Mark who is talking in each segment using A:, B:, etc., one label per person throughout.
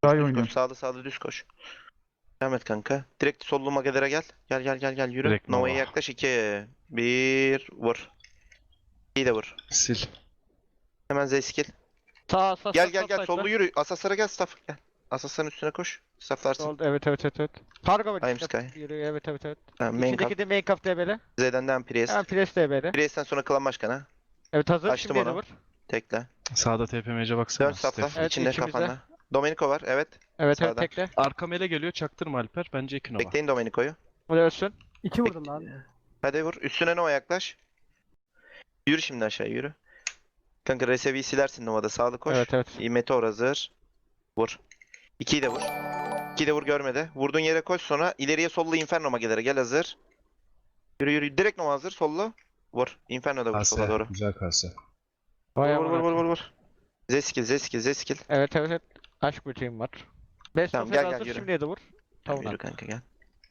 A: Daha iyi
B: Düz
A: oynuyor.
B: koş. Sağlı düz koş. Devam et kanka. Direkt sollu magelere gel. Gel yürü.
C: Direkt
B: Nova'ya
C: Nova.
B: yaklaş. 2 1 vur. İyi de vur.
C: Sil.
B: Hemen Z-skill.
D: Sağ
B: Gel sollu yürü. Asaslara gel staff. Gel. Asasların üstüne koş. Stafflarsın.
D: Sol, evet. Kargo var
B: Time
D: işte.
B: Sky.
D: Yürüyor, evet.
B: Tamam, main
D: İçindeki
B: cap.
D: de main cap DB'li.
B: Z'den devam Priest.
D: Hemen Priest DB'li.
B: Priest'ten sonra klan başkanı.
D: Evet hazır.
B: Açtım
D: Şimdi de
B: onu.
D: vur.
B: Tekle.
C: Sağda TPMC baksana.
B: Dön staffla.
C: Stefan.
D: Evet,
B: İçinde
D: içimizde.
B: kafanda. Domenico var. Evet.
D: Evet
B: Sağdan.
D: tekle.
C: Arka mele geliyor, çaktırma Alper. Bence 2 Nova.
B: Bekleyin Domenico'yu.
D: O da ölsün.
E: 2 vurdum lan.
B: Hadi vur. Üstüne Nova yaklaş. Yürü şimdi aşağı yürü. Kanka Resevi'yi silersin Nova'da. Sağlı koş.
D: Evet.
B: Meteor hazır. Vur. 2'yi de vur. 2'yi de vur görmedi. Vurduğun yere koş sonra ileriye sollu Inferno magelere gel hazır. Yürü. Direkt Nova hazır sollu. Vur. Inferno da vur sola doğru.
C: Güzel kase.
D: Vay
B: Vur
D: amına.
B: vur. Z-skill.
D: Evet. Aşk böceğim var. Best
B: Tamam,
D: of
B: gel,
D: hazır.
B: yürü.
D: Şimdi de vur.
B: Tamam,
D: Tamam.
B: yürü kanka gel.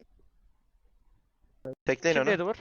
B: Tekleyin
D: Şimdi
B: onu.
D: de vur.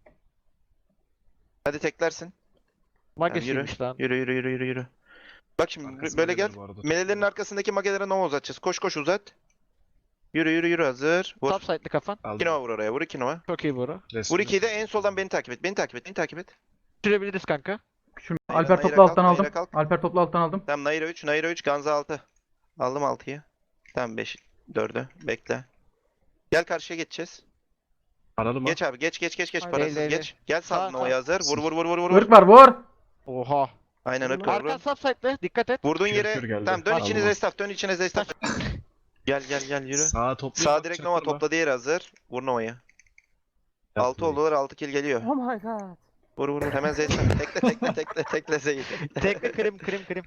B: Hadi teklersin.
D: Magesiymiş lan.
B: Yürü. Bak şimdi
C: Arkası
B: böyle
C: meleler
B: gel.
C: bu arada.
B: Melelerin arkasındaki magelere Nova uzatacağız. Koş uzat. Yürü hazır. Vur.
D: Top side'lı kafan.
B: 2 Nova vur oraya. Vur 2 Nova.
D: Çok iyi vuru.
B: Vur 2'yi de en soldan beni takip et.
D: Sürebiliriz kanka.
A: Şunu
B: Naira,
A: Alper
B: Naira
A: topla
B: kalk,
A: alttan
B: Naira
A: aldım.
B: kalk.
A: Alper topla alttan aldım.
B: Tamam Naira 3, Ganza 6. Aldım 6'yı. Tamam 5, 4'ü. Bekle. Gel karşıya geçeceğiz.
C: Aralı mı?
B: Geç abi geç
D: Hayır,
B: parasız
D: değil.
B: geç. Gel
D: Sağ,
B: sağ Nova'ya hazır. Vur.
A: Irk var vur.
D: Oha.
B: Aynen ırk var.
D: Arkan
B: Vur.
D: top side'lı. Dikkat et.
B: Vurduğun
C: Kür
B: yere
C: geldi.
B: tamam dön
D: Aldım
B: içine
C: onu.
B: Z-staff. Gel yürü.
C: Sağa topluyor.
B: Sağ direkt Nova topladığı yere hazır. Vur Nova'yı. 6 oldular 6 kill geliyor.
E: Oh my god.
B: Vur hemen Z-staff. Tekle Z'yi.
D: Tekle krim.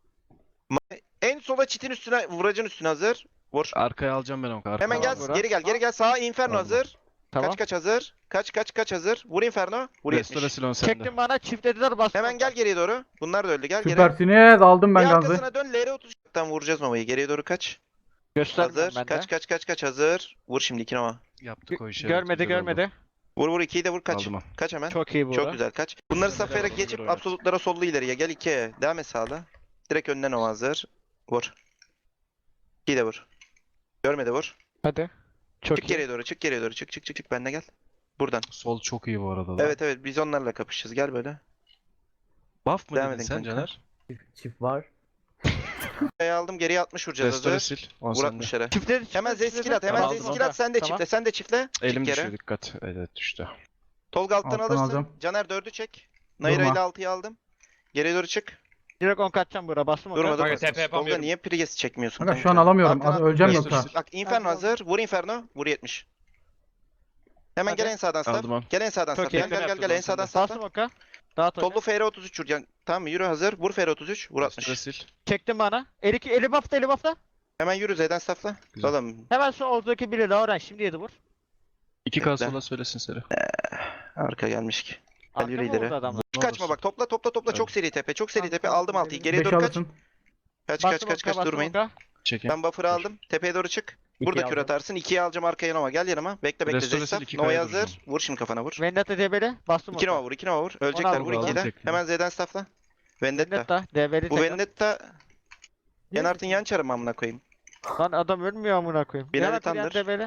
B: En sola çitin üstüne vuracın üstüne hazır. Vur.
C: Arkaya alacağım ben onu. Arkaya
B: Hemen gel
D: Burak.
B: geri gel sağa Inferno
C: Aldım.
B: hazır.
D: Tamam.
B: Kaç hazır. Kaç hazır. Vur Inferno. Vur 70.
C: Restore Silon sende.
D: Çektim bana çiftlediler bastım.
B: Hemen gel geriye doğru. Bunlar da öldü. Gel geri.
A: Süpersiniz aldım ben
B: Bir
A: gazı.
B: arkasına dön. LR30'dan vuracağız Nova'yı. Geriye doğru kaç.
D: Göstermiyorum
B: Hazır.
D: ben de.
B: Kaç hazır. Vur şimdi 2 Nova.
C: Yaptık o işi.
D: Görmedi.
B: Vur 2'yi de vur kaç.
C: Aldım ha.
B: Kaç hemen.
D: Çok iyi vuru.
B: Çok güzel kaç. Bunları safhayarak
C: Güzel
B: geçip
C: oynat.
B: absolutlara sollu ileriye. Gel 2'ye. Devam et sağda. Direkt önden Nova hazır. Vur. 2'yi de vur. Görmedi vur.
D: Hadi. Çok
B: Çık
D: iyi.
B: geriye doğru. Çık. Benle gel. Buradan.
C: Sol çok iyi bu arada. da.
B: Evet biz onlarla kapışacağız. Gel böyle.
C: Buff mı
B: Devam
C: dedin
B: edin
C: sen
B: kanka.
C: Caner?
E: Çift var.
B: Kaya aldım geriye 60 vuracağız
C: Restore
B: hazır.
C: sil. 10
B: Vur
C: sende.
B: 60 yere.
D: Çiftleri
B: Hemen Z-skill at.
C: Tamam,
B: Sen de
D: Tamam.
B: çiftle. Sen de çiftle.
C: Elim
B: Çık yere.
C: düşüyor dikkat. Evet düştü.
B: Tolga alttan
A: Alttan
B: alırsın.
A: alacağım.
B: Caner 4'ü çek. Naira
A: Durma.
B: ile 6'yı aldım. Geriye doğru çık.
D: Direkt 10 kaçacağım buraya bastım o
B: Durma
D: kadar.
B: durma.
F: TP
B: Tolga
F: yapamıyorum.
B: niye Priest çekmiyorsun?
A: Kanka şu
B: kanka?
A: an alamıyorum.
B: Arkana-
A: Öleceğim
C: Restore
A: yoksa.
C: sil.
B: Bak Inferno hazır. Vur Inferno. Vur 70. Hemen
D: Hadi.
B: gel en sağdan staff.
C: Aldım onu.
B: Gel en sağdan
D: Çok
B: staff.
D: iyi.
B: Gel en sağdan staff.
D: Bastım oka. Dağıt oyunu.
B: Sollu FR33 vuracaksın. Tamam yürü hazır. Vur FR33. Vur
C: Restore
B: 60.
C: sil.
D: Çektim bana. Eli buff'ta.
B: Hemen yürü Z'den staffla.
C: Güzel.
B: Oğlum
D: Hemen şu oradaki biri de öğren. Şimdi yedi vur.
C: 2K
B: Bekle.
C: sola söylesin seri.
B: arka gelmiş ki.
D: Arka
B: yürü
D: mı
B: ileri.
D: vurdu adamlar?
C: Ne
B: Kaçma
C: olursun.
B: bak topla çok seri tepe. Çok seri tepe. Aldım 6'yı. Geriye
A: 5
B: doğru kaç.
A: alırsın.
B: Kaç
D: Bastım oka, bastım
B: durmayın.
D: oka.
C: Çekin.
B: Ben buffer'ı aldım. Tepeye doğru çık. Burada
D: İkiyi
B: kür
D: aldım.
B: atarsın. 2'yi alacağım arkaya Nova. Gel yanıma. Bekle
C: Restore
B: Zestaf.
C: sil, iki
B: Nova'ya
C: kaya
B: hazır.
C: duracağım.
B: Vur şimdi kafana vur.
D: Vendetta DB'li. Bastım
B: 2
D: oka.
B: Nova vur. 2 Nova vur. Ölecekler.
D: aldım,
B: Vur
D: aldım.
B: 2'yi de.
C: Tekrar.
B: Hemen Z'den staffla. Vendetta.
D: Vendetta DB'li
B: Bu
D: tekrar.
B: Vendetta Yenart'ın yan çarı mı amına koyayım?
D: Lan adam ölmüyor amına koyayım.
B: Binali
D: Hemen kuruyan
B: Tandır.
D: DB'li.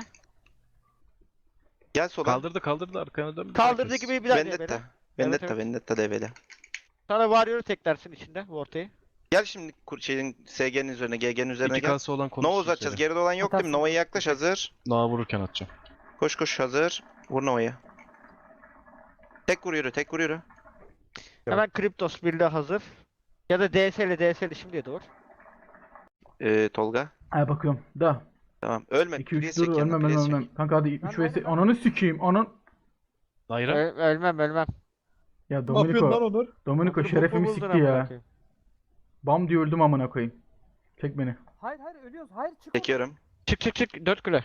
B: Gel sola.
C: Kaldırdı arkana dön.
D: Kaldırdı gibi bir daha DB'li.
B: Vendetta.
D: Evet.
B: Vendetta DB'li.
D: Sana Warrior'u teklersin içinde bu ortayı.
B: Gel şimdi şeyin SG'nin üzerine, GG'nin üzerine gel.
C: 2K'sı olan konuşsun.
B: Nova uzatacağız.
C: seri.
B: Geride olan yok değil mi? Nova'ya yaklaş hazır.
C: Nova vururken atacağım.
B: Koş hazır. Vur Nova'ya. Tek vur yürü.
D: Hemen Kryptos birliği hazır. Ya da DS'li şimdi yedi vur.
B: Tolga.
A: Ay bakıyorum. Da.
B: Tamam. Ölme.
A: 2 3
B: Priest
A: dur
B: çek yanına,
A: ölmem
B: Priest çek.
A: ölmem. Kanka hadi 3
E: Lan,
A: vs.
E: lan, lan.
A: Ananı sikeyim.
C: Naira.
D: Ölmem.
A: Ya Domenico. Domenico
D: Otur,
A: şerefimi
D: boku buldun
A: sikti
D: amına
A: ya.
D: koyayım.
A: Bam diye öldüm amına koyayım. Çek beni.
E: Hayır ölüyoruz. Hayır çık.
B: Çekiyorum.
D: Çık 4 kule.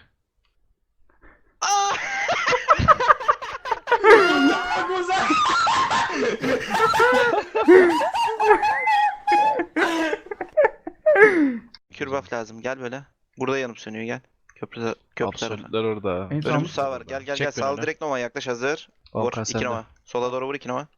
B: Kür buff lazım. Gel böyle. Burada yanıp sönüyor gel. Köprü tarafı.
C: Absolutler orada.
A: En son-
B: Önümüz sağ var. Gel.
C: Çek
B: Sağ
C: beni.
B: direkt Nova yaklaş hazır. Vur.
C: Volkan
B: 2
C: sende.
B: Nova. Sola doğru vur 2 Nova.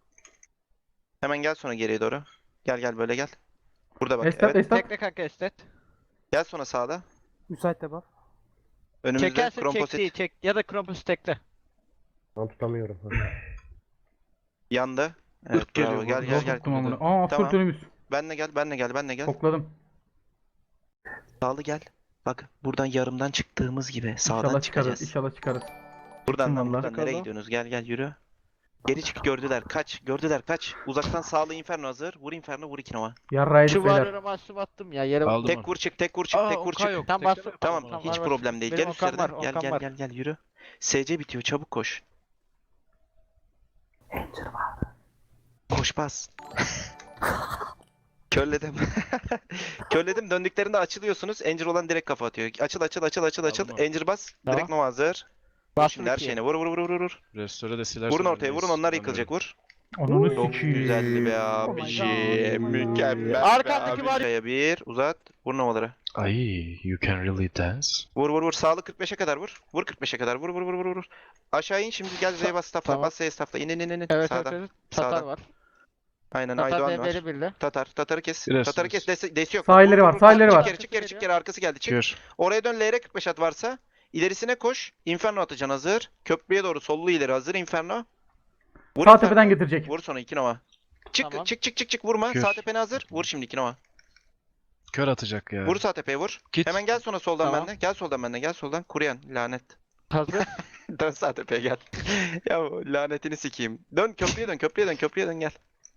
B: Hemen gel sonra geriye doğru. Gel böyle gel. Burada bak.
A: Estat
B: Evet.
A: estat.
D: Tekle kanka estet.
B: Gel sonra sağda.
E: Müsait de buff.
B: Önümüzde
D: Çekersin
B: komposit.
D: çektiği çek ya da Krampus tekle.
E: Ben tutamıyorum.
B: Yandı. Evet
C: Irk geliyor
B: bravo. Gel
C: bu.
B: gel
A: Zor
B: gel.
A: tuttum amına. Aa
B: Tamam.
A: full önümüz.
B: Benle gel, benle gel, benle gel.
A: Kokladım.
B: Sağlı gel. Bak buradan yarımdan çıktığımız gibi sağdan
A: İnşallah çıkarız.
B: çıkacağız.
A: İnşallah çıkarız.
B: Buradan lan
A: vallahi.
B: buradan nereye
D: Bakalım.
B: gidiyorsunuz? Gel gel yürü. Geri çık gördüler. Kaç. Gördüler kaç. Uzaktan sağlı inferno hazır. Vur inferno vur 2 nova.
A: Yarraydık
D: Şu
A: beyler.
D: varyola maçım attım ya yere
C: Aldım
B: Tek
C: onu.
B: vur çık, tek vur çık, tek vur çık.
C: Yok.
D: Tam
C: Tekrar
D: bastım.
B: Tamam
C: yapalım
B: hiç
C: onu.
D: var.
B: problem değil.
D: Benim
B: Gel
D: Okan
B: üstlerine.
D: var,
B: Gel
D: Okan
B: gel
D: var.
B: gel gel yürü. SC bitiyor çabuk koş. Koş bas. Körledim. Körledim. Döndüklerinde açılıyorsunuz. Angel olan direkt kafa atıyor. Açıl açıl açıl açıl açıl.
C: Aldım onu.
B: Angel bas.
D: Tamam.
B: Direkt Nova hazır. Vur
D: Bastım
B: şimdi her
D: ikiye.
B: şeyine. Vur vur vur vur vur.
C: Restore de siler.
B: Vurun ortaya vurun onlar yıkılacak vur.
A: Ananı
B: Çok
A: sikiyim.
B: güzeldi be
E: Oh
B: abi.
E: my
B: Şey,
E: God.
B: mükemmel.
D: Arkandaki
B: be
D: var-
B: abi. Şaya bir uzat. Vur Nova'ları.
C: Ay, you can really dance.
B: Vur vur vur. Sağlı 45'e kadar vur. Vur 45'e kadar. Vur vur vur vur vur. Aşağı in şimdi gel Z'ye bas staffla.
D: Tamam.
B: Bas Z'ye staffla. İn in in in.
D: Evet evet
B: Sağda.
D: evet. Tatar
B: Sağda.
D: var.
B: Aynen
D: Tatar
B: Aydoğan var.
D: DB'li birle.
B: Tatar'ı kes.
C: Biraz
B: Tatar'ı kes. Desi yok.
A: Sahilleri
B: Vur,
A: var,
B: vur, vur.
A: sahilleri
B: Çık
A: var.
B: geri, çık geri, çık geri. Arkası geldi. Çık.
C: Kür.
B: Oraya dön LR 45 at varsa. İlerisine koş. Inferno atacaksın hazır. Köprüye doğru sollu ileri hazır Inferno. Vur
A: Sağ
B: Inferno.
A: tepeden getirecek.
B: Vur sonra 2 Nova. Çık
D: Tamam.
B: çık çık çık çık vurma.
C: Kür.
B: Sağ tepene hazır. Vur şimdi 2 Nova.
C: Kör atacak ya.
B: Vur sağ tepeye vur.
C: Git.
B: Hemen gel sonra soldan
D: Tamam.
B: bende. Gel soldan bende. Gel soldan. Kuryan lanet.
D: Hazır.
B: Dön sağ tepeye gel. Ya lanetini sikeyim. Dön köprüye dön köprüye dön köprüye dön gel.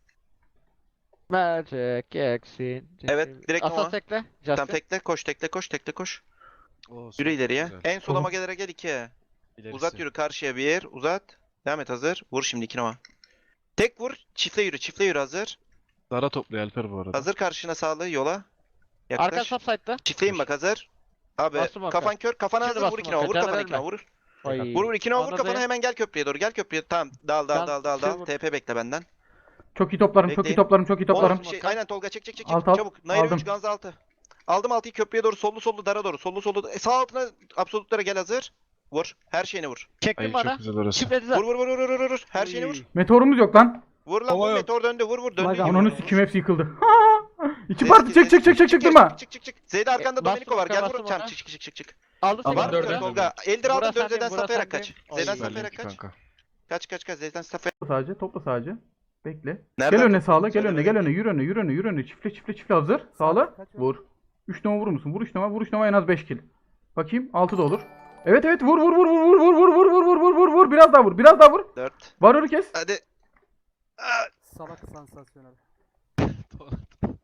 D: Magic Exit.
B: Evet, direkt Nova.
D: Asas tekle.
B: Tam
D: Justin.
B: tekle koş tekle koş tekle koş.
C: Oo,
B: Yürü ileriye.
C: güzel.
B: En sola magelere gel 2'ye.
C: İlerisi.
B: Uzat yürü karşıya bir uzat. Devam et hazır. Vur şimdi 2 Nova. Tek vur. Çiftle yürü. Çiftle yürü hazır.
C: Dara topluyor Alper bu arada.
B: Hazır karşına sağlı yola.
D: Arka
B: Yaklaş.
D: subside'da.
B: Çiftleyin bak hazır. Abi
D: Bastım arka.
B: kafan kör. Kafana
D: Şimdi
B: hazır. Vur
D: bastım
B: 2 Nova.
D: arka.
B: Vur
D: Caner
B: kafana 2
D: ölme.
B: Nova. Vur.
D: Ay.
B: Vur 2 Nova vur
D: Anladım.
B: kafana hemen gel köprüye doğru. Gel köprüye. Tamam. Dal dal
D: Tamam,
B: dal dal dal.
D: şey vur.
B: TP bekle benden.
A: Çok iyi toplarım, çok iyi
B: Bekleyin.
A: toplarım, çok iyi toplarım.
B: Oğlum, aynen Tolga çek çek çek.
A: Alt, alt.
B: Çabuk. Nair
A: Aldım.
B: 3 Ganz 6. Aldım 6'yı köprüye doğru. Sollu sollu dara doğru. Sollu sollu. Sağ altına absolutlara gel hazır. Vur. Her şeyine vur.
D: Çektim
C: Ay
D: bana.
C: çok güzel orası.
D: Çiftlediler.
B: Vur vur vur vur vur vur. Her şeyine vur.
A: Meteorumuz yok lan.
B: Vur lan
C: Hava
B: vur
C: yok.
B: meteor döndü. Vur vur döndü.
E: Vay
B: gibi.
A: Ananı
B: Vur.
A: sikim hepsi yıkıldı. İki
B: Zeytin,
A: parti çık çık çık çık çık
B: geri,
A: durma.
B: Çık çık çık. Zeyda arkanda
D: bastım,
B: Domenico var. Gel
D: bastım
B: vur. Tamam
D: ona.
B: çık çık çık çık çık.
D: Aldım
C: Tamam,
B: Var
D: seni.
B: mı
C: dördü.
B: Tolga? Eldir aldın
D: Burası
B: dön
D: sendeyim,
B: Zeydan
D: burası
B: Safaya'ya kaç.
D: sendeyim.
B: Zeydan
D: Oy.
B: Safaya'ya
C: Belli ki
B: kaç.
C: kanka.
B: Kaç kaç kaç Zeydan Safaya.
A: Topla sadece, topla sadece. Bekle.
B: Nereden
A: Gel önüne
B: topladın?
A: sağla, gel
B: Söyle
A: önüne, gel
B: bakayım.
A: önüne, yürü önüne, yürü önüne, yürü önüne. Çiftle çiftle çiftle hazır. Sağla.
E: Kaç
A: Vur. 3 nova vurur musun? Vur 3 nova, vur 3 nova en az 5 kill. Bakayım 6 da olur. Evet evet vur vur vur vur vur vur vur vur vur vur vur vur biraz daha vur, biraz daha vur.
B: 4.
A: Varyoru kes.
B: Hadi.
E: Salak sansasyonel.